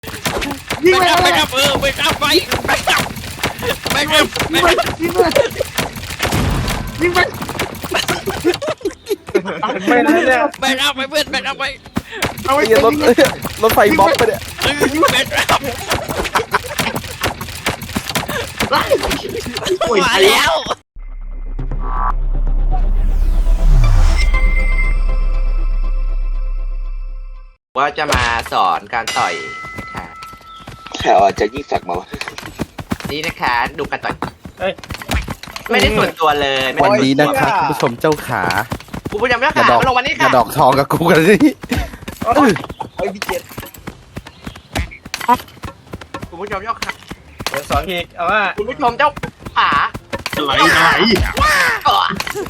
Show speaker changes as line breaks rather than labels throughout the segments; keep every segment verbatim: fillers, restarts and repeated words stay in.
ยิง
ไป
ไป
ครับ
เล
ไป
ย
ครับเออไปครับไปไปครับไปครับไป
ยิง
ค
ไป
รับ
ยิงไปยิงไป
ไม่นะเนี่ย
ไปครับไปเพื่อนไปครับไป
เอาไว้
ไอ้รถ
ยิงเลย
รถไฟบ๊อบไปเนี่ย
เออไปครับ
โอ้ย
มาแล้ว
ว่าจะมาสอนการต่อยนะคะ
ใครเอาอาจารย์ยิ่งศักดิ์มาวะ
นี่นะคะดูการต่อย
เฮ้ย
ไม่ได้ส่วนตัวเลยไม่
วัน
ได้
นี้นะคะคุณผู้ชมเจ้าขา
กูพยายามแล้ว
อย่า
ค่ะ
ดอก
มาลงวันนี้
อย่า
ค่ะ
ดอกทองกับกูกันสิ
ไอ้พี่เจ็ด
คุณผู้ชมเจ้าขา
เดี๋ยวสอนพี่เอาว่า
คุณผู้ชมเจ้าขา
อะไรอะไร
เออ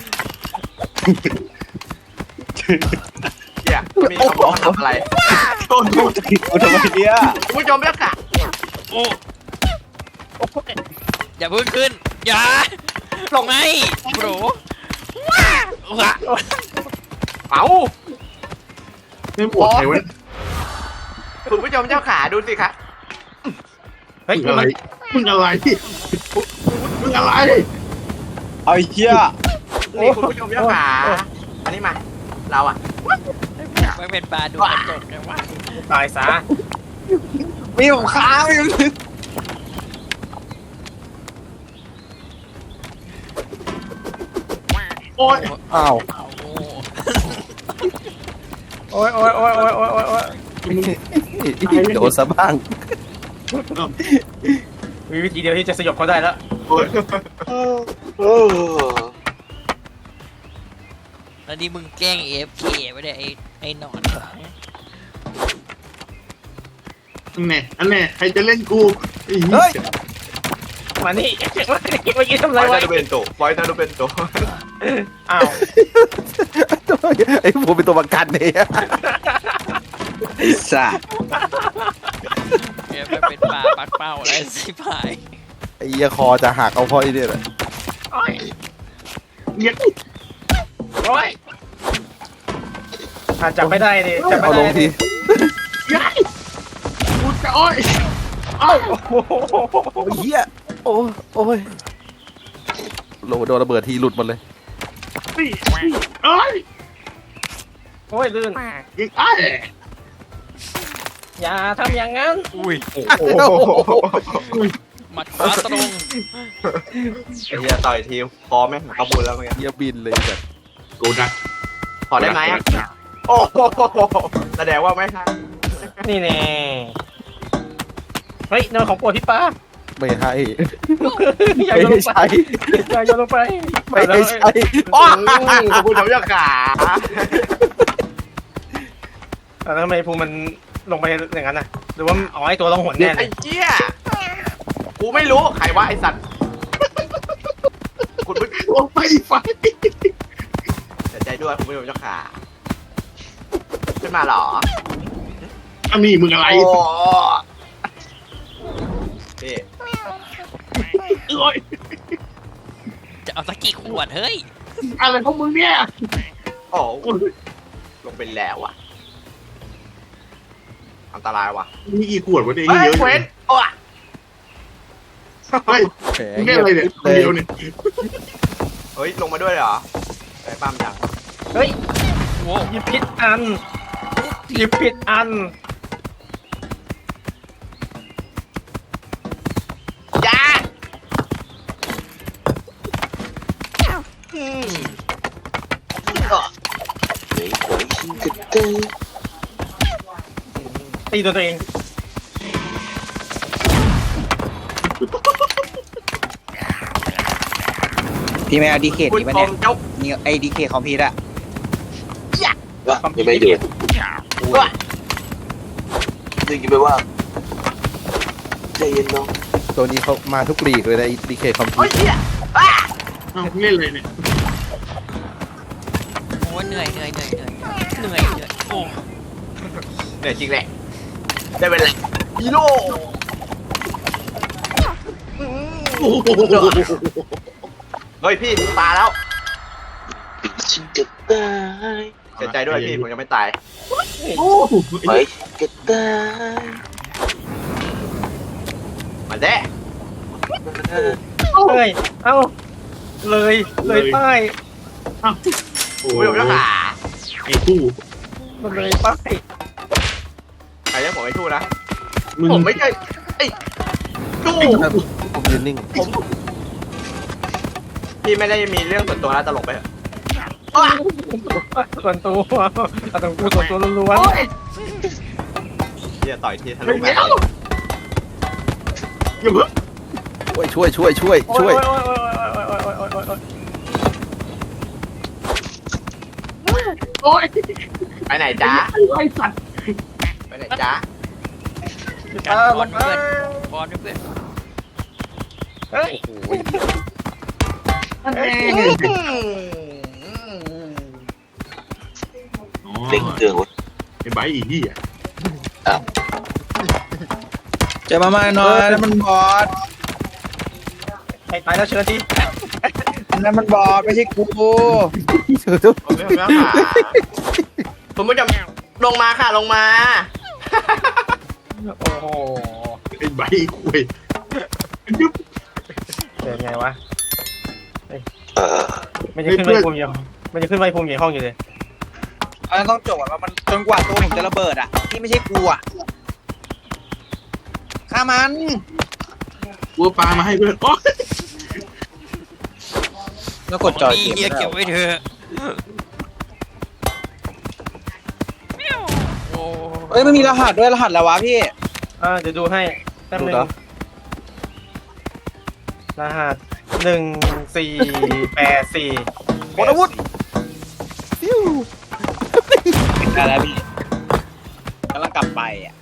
เนี่ยมีคำบอกทำอะไร
โดนกูจะกินกูทำไมเนี่ย
คุณผู้ชมเจ้าขา
โอ้อย่าเพิ่งขึ้นอย่าลงไงโบรว้าว้า
เอ้า
ไม่ปวดใครวะ
คุณผู้ชมเจ้าขาดูสิคะ
เฮ้ย
มึงอะไรมึงอะไรมึงอะไร
เอาไอ้เหี้ย
นี่คุณผู้ชมเจ้าขาอันนี้มาเราอ่ะ
ไม่เป็นปลาดูกระจกเลยว่า
ตายซะ
มีผมค้างอยู่
โอ้ย
อ้าว
โอ้
โอ้ยโอ้ยโอ้ยโอ้ยโอ้ยโอ้ยโอ้ย
โดนซะบ้าง
มีวิธีเดียวที่จะสยบเขาได้แล้ว
โอ้ย
โอ้
แล้วนี่มึงแกล้ง เอ เอฟ เค ไปเนี่ยไอ้ไอ้หนอน
อันไหนอันไหนใครจะเล่นกู
เฮ้ย
มานี่มานี่เมื่อกี้ทำ
ไฟ
อะไร
นา
ไว้
โดเบนโตไฟนาโดเบนโต
อ้าว
ไอ้ผมเป็นตัวประกันเนี่ย
ไอ้สัส
เนี่ยไปเป็นปลาปักเป้าอะไรสิพาย
ไอ้เหี้ยคอจะหักเอาเพราะไอ้เนี่ยแหละ
โอ้ย
เงี้ย
โอ้ยอ่ะจับไม่ได้ดิจับ
เอา
ไม่
ล
ได้
งที
ยัยกูจะโอ้ยเอ้า
โอ้โห
โอ้ยเหี้ยโอ้ยโอ้ยโลโดนระเบิดทีหลุดหมดเลย
นี่เอ้ย
โอ้ยลื่น
ยิงไอ้
อย่าทำอย่างนั้น
อุ้ย
โอ้โห
หมัดขวาตรง
ไอ้เหี้ยต่อยทีพอไหมขบุญแล้วเมื่อกี้
เหี้ยบินเลยแบบ
กูนะ
พอได้ไหมอะโอ้โหแสดงว่าไม่ใช่
นี่แน่เฮ้ยนอนของโปรดพี่ป้า
ไม่ให้
อย่า
ไม่
โยนล
ให้
งไป
ใช้
อย่าโยนลงไป
ไม่ให้ใช้
โอ้คุณผู้ชมเจ้าขา
แล้วทำไมภูมิมันลงไปอย่างนั้นน่ะหรือว่าอ๋อไอตัวลงหนแน่เล
ไอ้
ย
เหี้ยกูไม่รู้ใครว่าไอ้สัตว์คุณผู้ชม
โอ้ไฟไฟ
เสียใจด้วยคุณผู้ชมเจ้าขาขึ้นมาเหรอ
อันนี้มึงอะไร
โอ้พี่
โอ้ย
จะเอาสักกี่ขวดเฮ้ย
อะไรของมึงเนี่ย
โอ้ลงไปแล้วอ่ะอันตรายว่ะ
มีกี่ขวดวะเนี่ย
เฮ้ย
เยอะ
เว้นโอ้
เฮ้ย
แหม
มึงแค่อะไรเนี่ยคนเดียวเนี่ย
เฮ้ยลงมาด้วยเหรอไปปั้มยัง
เฮ้ย
โว้
หยิบผิดอันหยิบผิดอัน
จ้าอืม
เฮ้ยโอ้ยชิงกระเตย
ตีตัวตัวเอง
พี่ไม่เอาดีเค
คุณ
นี่มา
ช
เนี่ย
มเจ้า
นี่ไอ้ดีเคคอมพิวต์อะ
วะยังไม่เดือด
ว่า
ดึงยังไม่ว่างใจเย็นน้อง
ตัวนี้เขามาทุกลีกเลยนะดีเคคอมพิ
โอ้
วย เตอร์
เหี้ยอ้า
เอ้าเล่นเลยเนี่ย
โอ้เหนื่อยเหนื่อยเหนื่อยเหนื่อยเหนื่อยเหนื่อยโอ้
เหนื่อยจริงแหละได้เวลาฮีโร่
โอ้โห
เฮ้ยพี่ตายแล้ว
ชิงกระเตย
เสียใจด้วยพี่ผมยังไม่ตาย
โอ้โห
ไปกระเตย
เด้
เฮ้ยเอ้าเลยเลยป้าย
อ้าวโอ้
ผมเป็นเจ้าขา
ไอ้คู่
มันเลยป้าย
ใครเรียกผมไอ้ทู่นะ
มึง
ผมไม่ใช่ไอ้ทู่
ผมยืนนิ่ง
ผมพี่ไม่ได้มีเรื่องส่วนตัวนะตลกไปเถอะ
ส่วนตัวเอาตรงกูส่วนตัวล้วน
พี่จะต่อยทีทะ
เฮ้
ลุ
ย
แบ
เดี๋ยว
บ
อย่าเพิ่ง
ช่วยช่วยช่วยช่วยช่วย
โอ้ย
ไปไหนจ๊ะ
ไอ้สัตว์
ไปไหนจ๊ะ
การบอลเพื่อนบอลเพื่อน
เฮ้ย
นั่นเอง
เล่งเครื่องวะ
ไอ้ใบอีที่อ่ะ
เจอมามาหน่อยนั่นมันบอส
ใครตายแล้วเชิญที
นั่นมันบอสไม่ใช่กู
ผมไม่ทำแล้วค่ะผมไม่จำลงมาค่ะลงมา
โอ้โห
ไอ้ใบคุยยุบ
เป็นไงวะ
เออ
มันจะขึ้นไปภูมิอยู่มันจะขึ้นไปภูมิอยู่ในห้องอยู่เลย
อันนั้นต้องจบอ่ะมันจนกว่าตัวผมจะระเบิดอ่ะที่ไม่ใช่กูอ่ะฆ่ามัน
วัวปลามาให้เพื่อนโอ๊ย
แล้วกดจอย
นี่
เกม
เฮียเก็บไว้เถอะโอ้
เอ้ยมันมีรหัสด้วยรหัสแล้ววะพี่
อ่าเดี๋ยวดูให้แป๊บนึงรหัสหนึ่งสี่แปดสี่
หมดอาวุธฟิว
ได้แล้วพี่กำลังกลับไปอ่ะ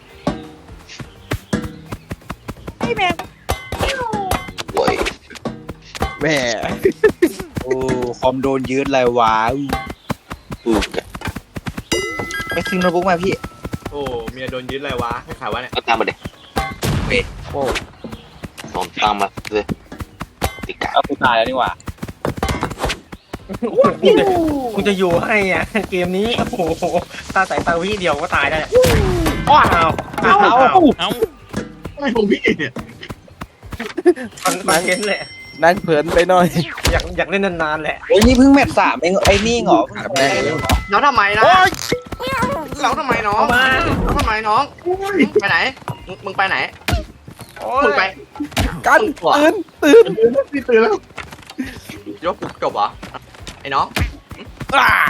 โว้ย
แหม่
โอ้คอมโดนยืดเลยวะ
อืม
ไปซื้อโน้ตบุ๊กมาพี่
โอ้เมียโดนยึดเลยวะให้ขายวะเนี่ย
ก็ตามมาเด็ก
โอ้
สองตามมาเลยติกา
เอากูตายแล้วนี่หว่า
กูจะอยู่ให้อ่ะเกมนี้โอ้โหตาสายตาวิเดียวก็ตายได้ว้าวอ้าว
เอ้า
ไม่ผมพี่เนี่ย
มันมันเห็นแหละ
นั่งเผินไปหน่อย
อยากอยากเล่นนานๆแหละ
โอ้ยนี่เพิ่งแมตช์สามเองไอ้นี่เหรอ
แบบแรกเลย
แล้วทำไมล่ะแล้วทำไมน้อง
เอามา
แล้วทำไมน้องไปไหนมึงมึงไปไหน
โอ้
มึง
ย
ไป
กันตื่นตื่น
พี่ตื่นแล้ว
ยกปุ๊บจบเหรอไอ้น้อง
อ่า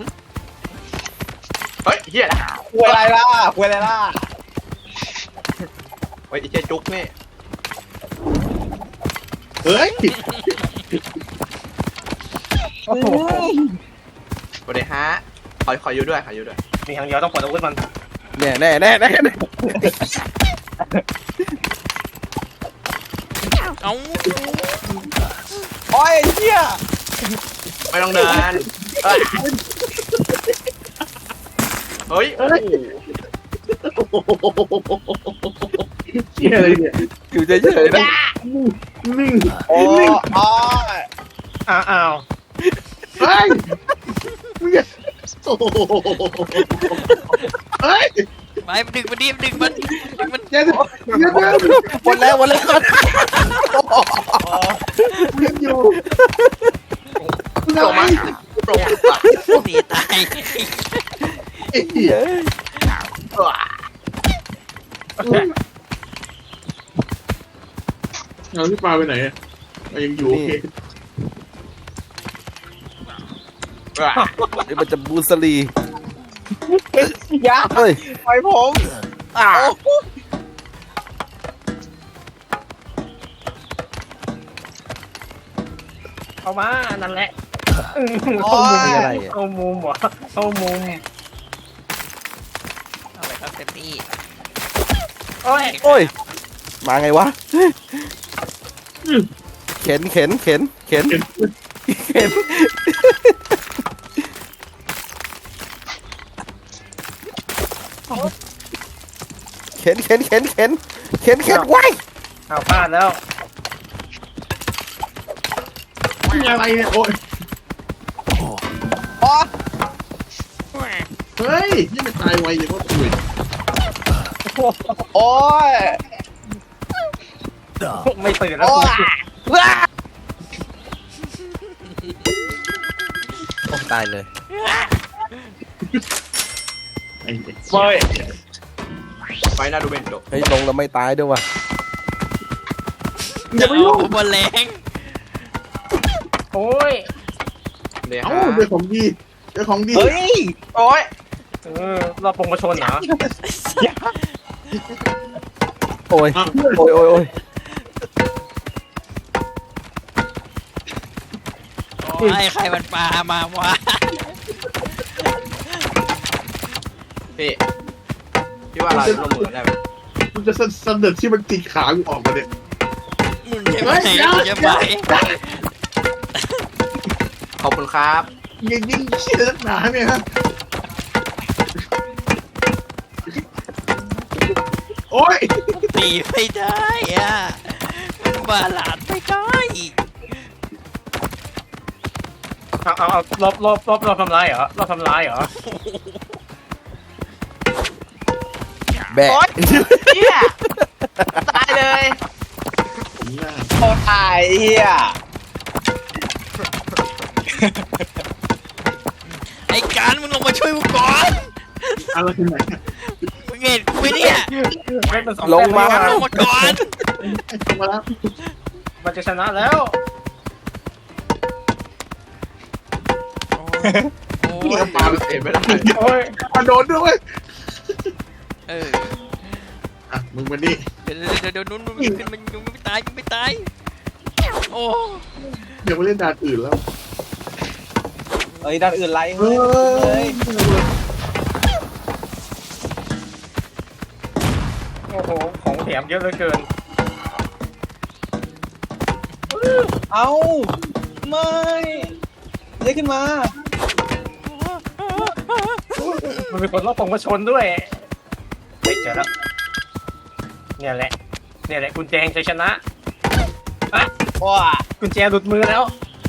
เฮ้ยเฮียนะ
คุยอะไรล่ะคุยอะไรล่ะ
เฮ้ยไอ้เจ๊จุ๊กนี่
เฮ้ย
โอ้โห
สวัสดีฮะขอขออยู่ด้วยขออยู่ด้วย
มีทางเดียวต้องปลดอาวุธมัน
แน่แน่แน่แน่แน่
เอ้า
โอ้ยเฮีย
ไม่ต้องเดินเอ้ยเฮ้ยโอ้โห
เชี่ยอะไรเนี่ย
อยู่เฉยๆนะ
นิ่ง
โอ้โอ้ย
อ้าวอ้าว
เฮ้ยมึงอย่าโอ้โหเฮ้ย
ไปดึงมันดิดึงมันดึงมัน
อย่าอย่าอย่า
หมดแล้วหมดแล้ว
มึงอยู่มึง
โปร
เอา
มา
มา
โปรมา
หนีตาย
ไอ้เหี้ย เอาพี่ปลาไปไหนอะยังอยู่โอเค
นี่มันจะบูสลี
อยา
เฮ้ย
ปล่อยผมอ่า
เข้ามานั่นแหละ
โอ้ย
อะไรอะ
เข้ามุมเหรอเข้ามุม
เอาไปครับเต็มที่
โอ้ย
โอ้ยมาไงวะเข็นเข็นเข็นเข็นเข็นเข็นเข็นเข็นเข็นเข็นเข็นไว้
เอาพลาดแล้ว
มีอะไรเนี่ยโอ้ย
โอ้ย
เฮ้ยนี่มันตายไวอย่างว่าคุย
โอ้ย
ไม่ตื่นแล้ว
โอ้
กู
ว้า
โอ้ตายเลย
ไอ้เด็ก
เฮ้ย
ไฟหน้าดูเบนโด
เฮ้ยลงแล้วไม่ตายด้วยว่ะ
อย่าไปยุ่ง
บนแรง
โอ้ย
เนี่ย
เอ้าเรื่องของดีเรื่องของดี
เฮ้ย
โอ้ย
เออเราปงกระชนเหรอ
โอ้ยโอ้ยโอ้ยโอ้ย
โอ้ยใครมันปลามาวะ
พี่พี่ว่าเราจะลงมือได้ไหม
มันจะเสนอที่มันติดขากูออกมาเนี่ย
มึงใช่ไหมมึงใช่ไหม
ขอบคุณครับ
ยิงยิงเชี่ยนักหนาเนี่ยฮะโอ้ย
ตีไม่ได้อะมันบาลานซ์ไม่ได้
เอาเอาเอารอบรอบรอบรอบทำร้ายเหรอรอบทำร้ายเหรอ
แบะ
โอ๊ยเฮียตายเลย
โคตรตายเฮีย
ไอ้การมึงลงมาช่วยกูก่อน
อะไรที่ไหน
มึงเห็นกูไหมเนี่ย
ไม่เป็นสอง
ลงมา
แต้ม
ลงมาก่อน
ลงมาแล้ว
มันจะชนะแล้ว
โอ้
พี่
ย
ก็ปาไปเตะไม่ได้
โอ้ย
มาโดนด้วย
เออ
อ่ะมึงมานี่
เดี๋ยวเดี๋ยวเดี๋ยวนู้นนู้นขึ้นมันยังไม่ตายยังไม่ตายโอ้
เดี๋ยวไปเล่นด่านอื่นแล้ว
เฮ้ยด้านอื่นไร
เฮ้
เฮ้ย
ย
โอ้โหของแถมเยอะเหลือเกิน
เอ้าไม่เรียกขึ้นมา
มันมีคนรอบปงกระชนด้วยเฮ้ยเจอแล้วเนี่ยแหละเนี่ยแหละกุญแจแห่งชัยชนะอ่ะ
ว้า
กุญแจหลุดมือแล้ว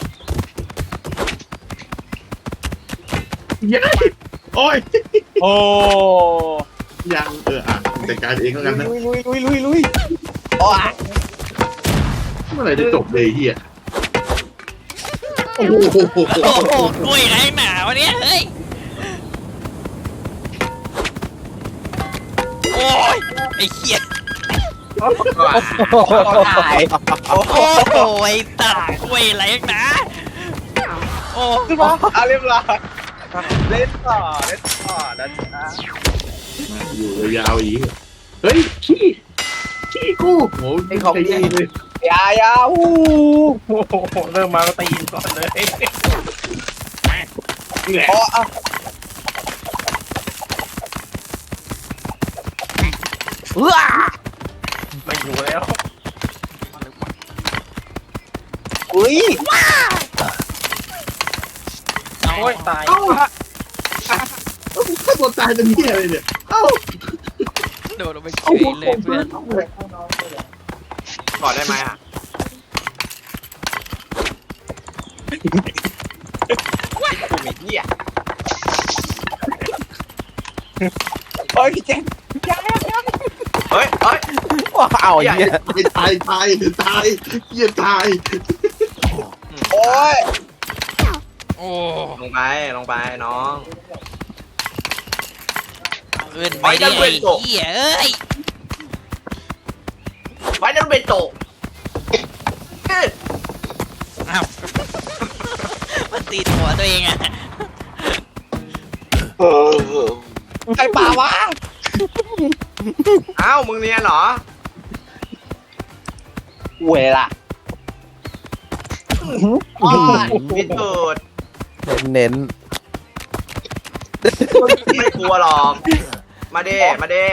ยัยโอ้ย
โอ้
ยังเอออ่ะจัดการเองแล้วกันนะ
ลุยลุยลุยลุยลุยโอ้ย
เมื่อไหร่จะจบเลยเฮียโอ้โห
โอ้โหกล้วยไรหนาวะเนี่ยเฮ้ยโอ้ยไอ้เหี้ย
ตายโอ้
โอ้โหไอ้ตัดกล้วยไรหนาโอ้
ขึ้นมาเอาเรียบร้อยเล่นต่อเล่นต่อนะจ๊ะ
อยู่ยาวๆอีกเฮ้ยขี้ขี้กูโหใจเย็นเลย
ยายาฮู
โอ้โหเริ่มมาก็ตีนก่อนเลย
นี่แหละ
โอ้อะ
ว้า
ไม่อยู่แล้ว
อุ้ย
โอ้ยตาย
เอ้าเอ้าถ้าตัวตายเป็นเฮียอะไรเนี่ยเอ้า
โดดลงไปเฉ
เอา
ย
หัว
เล
โข
ย
ก
เพื่อน
เลย
กอดได้ไหมอ่ะ กูมีเหี้ย
โอ้ยพี่เจน
เฮ้ยเฮ้ย
ว้าเอาไอ้เหี้ย
ตายตายตายเฮียตาย
โอ้ย
โอ้
ลงไปลงไปน้อง
เอินไปดิไอ้เหี้ยเอ้ย
ไว้นั่นเป็นโตเอ้ย
อ้าวมันตีหัวตัวเองอะ
ใครป่าวะ
อ้าวมึงเรียนเหรอ
เวล่ะ
อ๋อพิสูจน์
เน้น
ไม่กลัวหรอก มาเด้มาเด้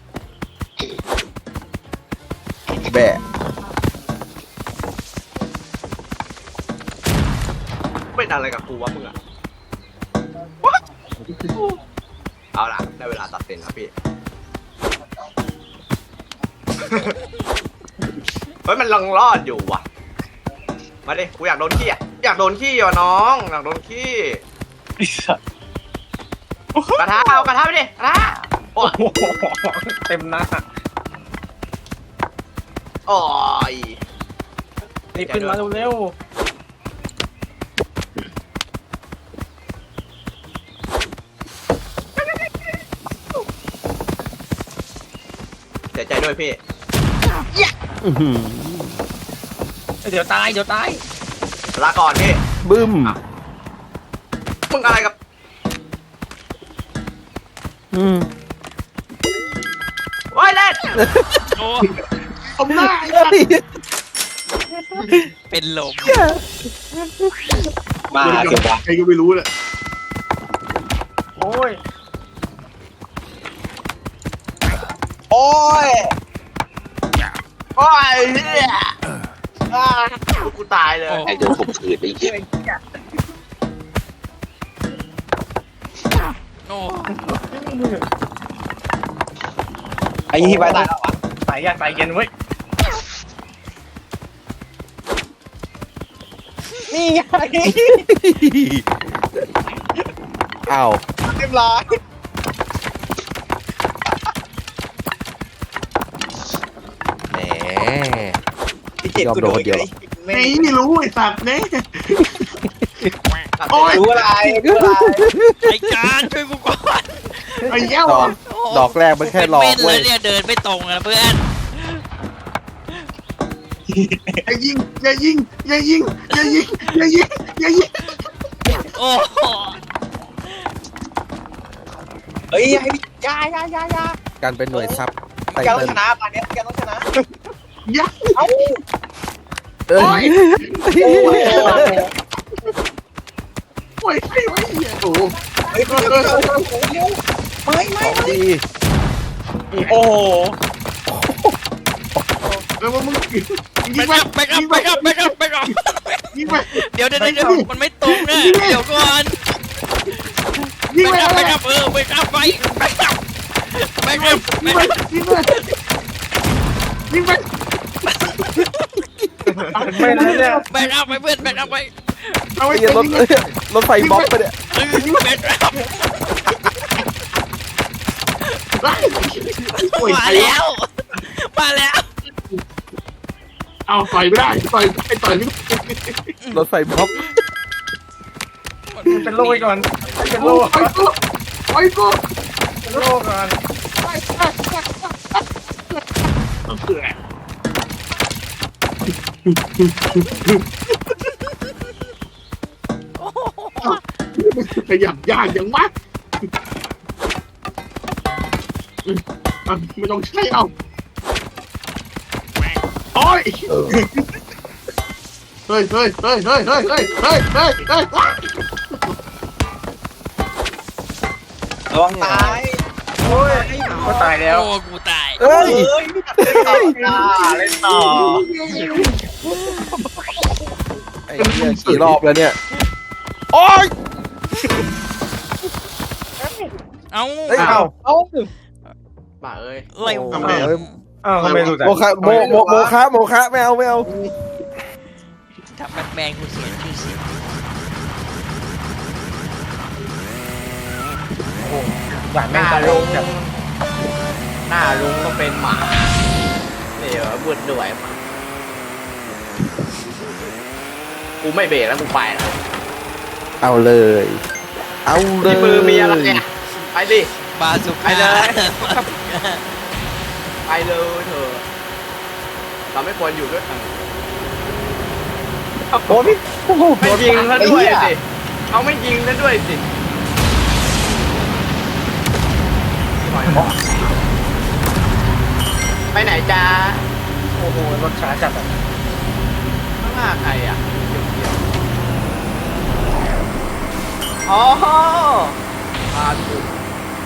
ๆแบะ
เป็นอะไรกับกูวะมึงอะเอาล่ะได้เวลาตัดสินแล้วพี่ เฮ้ยมันลังรอดอยู่ว่ะ มาดิกูอยากโดนขี้อ่ะอยากโดนขี้อ่ะน้องอยากโดนขี้กระทะเอากระทะไปดิกระทะโอ้ย
โอ้โหเต็มหน้า
โอ้ย
รีบขึ้นมาเร็ว
เสียใจด้วยพี่
อื้อหือ
ๆเดี๋ยวตายเดี๋ยวตาย
ลาก่อนพี่
บึ้ม
มึงอะไรกับ
อืม
โอ้ยเล่น
โอ้
ผมหน้าไอ้
เฮ้ย
เป็นลม
มาเก็บวะ
ใครก็ไม่รู้แหละ
โอ้ย
โอ้ย
โอ้ยเหี้ยอ่ากูตายเลย
ไอ้โดนข่มขืนไอ้เหี้ย
โอ้
ไอ้ยี่ไปตายแล้ววะ
สายยากสายเย็นเว้ย
นี่ไง
อ้าว
เรียบร้อย
แหม
พี่เจ็บกูโดนเลย
ไอ้ไม่รู้ไอ้สัตว์เนี่ย โอ้ย
รู้อะไรรู้อะไร
ไอ้การช่วยกูก่อน
ไอ้เหี้ย
ดอกดอกแรกมันแค่หลอก
เป็นเล
เว้
ย
ย
เนี่ยเดินไม่ตรงอะเพื่อน
อย่ายิงอย่ายิงอย่ายิงอย่ายิงอย่ายิงอย่ายิง
โอ้โห
เฮ้ยให้พี่ยายายายา
การเป็นหน่วยซับไต
แกต้อ
เติ้
ง
ล
ชนะป่านนี้แกต้องชนะ
อย่า
เอ้า
เอ้ย
โอ้ยไอ้ไอ้เหี้ยโอ้โห
เฮ้ยไม่ไม่
ของดี
โอ้โห
แล้วมึงยิง
แบก
ไป
อัพแบกอัพแบกอัพแบกอัพแบกอัพ
ยิงไป
เดี๋ยวเดี๋ยวเดี๋ยวมันไม่ตรงนะเดี๋ยวก่อน
ยิง
แบ
ไป
กอัพแบกอัพเออแบกอัพไปแบกอัพแบกอัพแบ
ยิง
ก
ไป
อัพ
ยิงไปยิงไป
ไม่ได้เนี่ย
แบกอัพไปเพื่อนแบกอัพไป
เอาไว้
ไอ้เหี้ยรถ
ยิง
เอ้ยรถไฟบล็อกไปเนี่ย
เออแบกอัพ
โอ้ย
มาแล้ว มาแล้ว
เอาต่อยไม่ได้ต่อยไอ้ต่อยไม่
รถไฟบล็อก
เป็นโรคไปก่อนเป็นโร
โอ้
ค
ยกูโอ้ยกู
เป็นโรคก่อน
เสือขยับยากอย่างมากไม่ต้องใช้เอาโอ้ยเฮ้ยเฮ้ยเฮ้ยเฮ้ยเฮ้ยเฮ้ยเฮ้ยเฮ้ยเฮ้ย
ระวังตาย
โอ้ยก็ตายแล้ว
โอ้กูตาย
เอ้ย
เฮ้ยเล่นต่อเล่นต่อ
ไอ้เหี้ยกี่รอบแล้วเนี่ย โอ๊ย
เอ้า
เฮ้ยเอ้า
เอ้า
บ้าเอ้ย
อะไร
โอ้
วะ
โหเอ้ย
อ้าวทำไมรู้จัก
โมคะโมโมโมคะโมคะไม่เอาไม่เอา
ทำแบทแมนกูเสียชื่อเสียง
หวาน
ห
แม่ง
น้า
ตาย
ลุง
แบบ
หน้าลุงก็เป็นหมาเดี๋ยวบุดด้วยหมากูไม่เบรกแล้วกูไปแล้ว
เอาเลย เอาเลย
ที่มือมีอะไรเนี่ยไปดิ
บาสุก้า
ไปเลย ไปเลยเถอะเราไม่ควรอยู่ด้วยกัน
โอ้พี่โอ้โห
ไม่ยิงแล้วด้วยสิเขาไม่ยิงแล้วด้วยสิไปไหนจ้า
โอ้โหรถช้าจัดอะ
ข้างหน้าใครอ่ะเขียวๆอ๋อพาถูก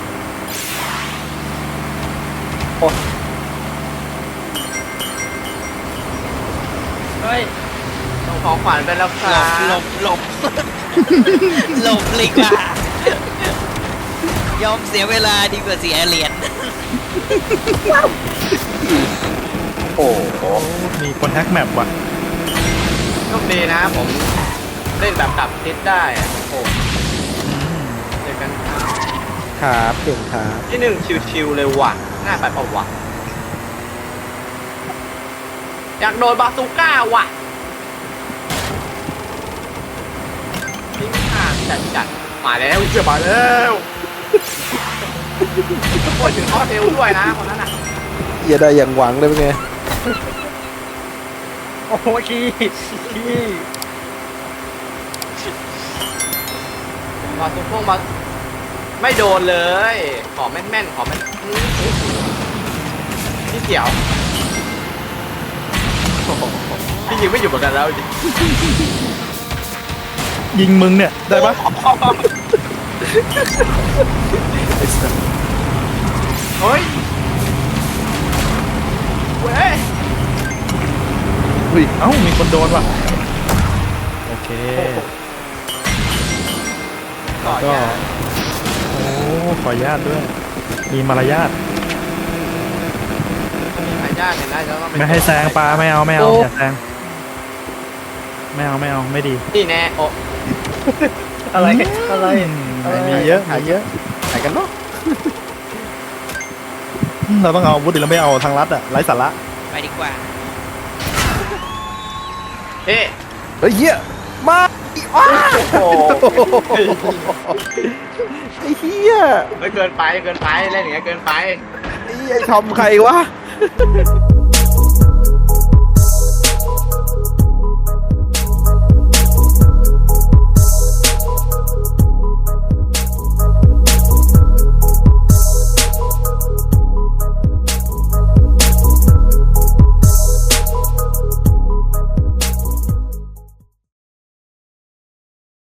เฮ้ยส่งของขวัญไปแล้วค
หล
รั
บบ หลบหลบหลบเลยกว่ายอมเสียเวลาดีกว่าเสียเหรียญ
โอ้โห
มีคนแฮกแมปว่ะ
โชคดีนะผมเล่นแบบกลับทิศได้อะโอ้เจอกันครับ
ครับเก่งครับ
ที่หนึ่งชิวๆเลยว่ะหน้าไปเปล่าวะอยากโดนบาซูก้าว่ะนี่ไม่ห่างจัดจัดมาแล้วเชื่อมาแล้วโอ้ยถึงข้อเทลด้วยนะคนนั้นอ่ะ
เหี้ยได้อย่างหวังเลยเป็นไง
โอ้โหขี้ขี้
บาซูพวกมาไม่โดนเลย ขอแม่นๆขอแม่นพี่เขียวโอ้โหพี่ยิงไม่อยู่เหมือนกันแล้วจริง
ยิงมึงเนี่ย ได้ปะ
เฮ้ยเว้ย
อุ้ยเอ้ามีคนโดนว่ะโอเค
ก่อน
ก็
เนี่ย
โอ้ขออนุญาตด้วย มีมารยาท
หายากเห็นได้แล้วต้องเป็น
ไม่ให้แซงปลาไม่เอาไม่เอาอย่าแซงไม่เอาไม่เอาไม่ดี
นี่แน่โอ้
อะไรอะไร
มีเยอะมีเยอะ
ไหนกันเนาะ
อืมเราต้องเอาอาวุธดิเราไม่เอาทางลัดอะไร้สาระ
ไปดีกว่า
เฮ้ย
เฮ้ยเหี้ยมา
โอ้โห
ไอ้เหี้ย
ไม่เกินไปเกินไปเล่นอย่างเงี้ยเกินไป
ไอ้ไอ้ทอมใครวะ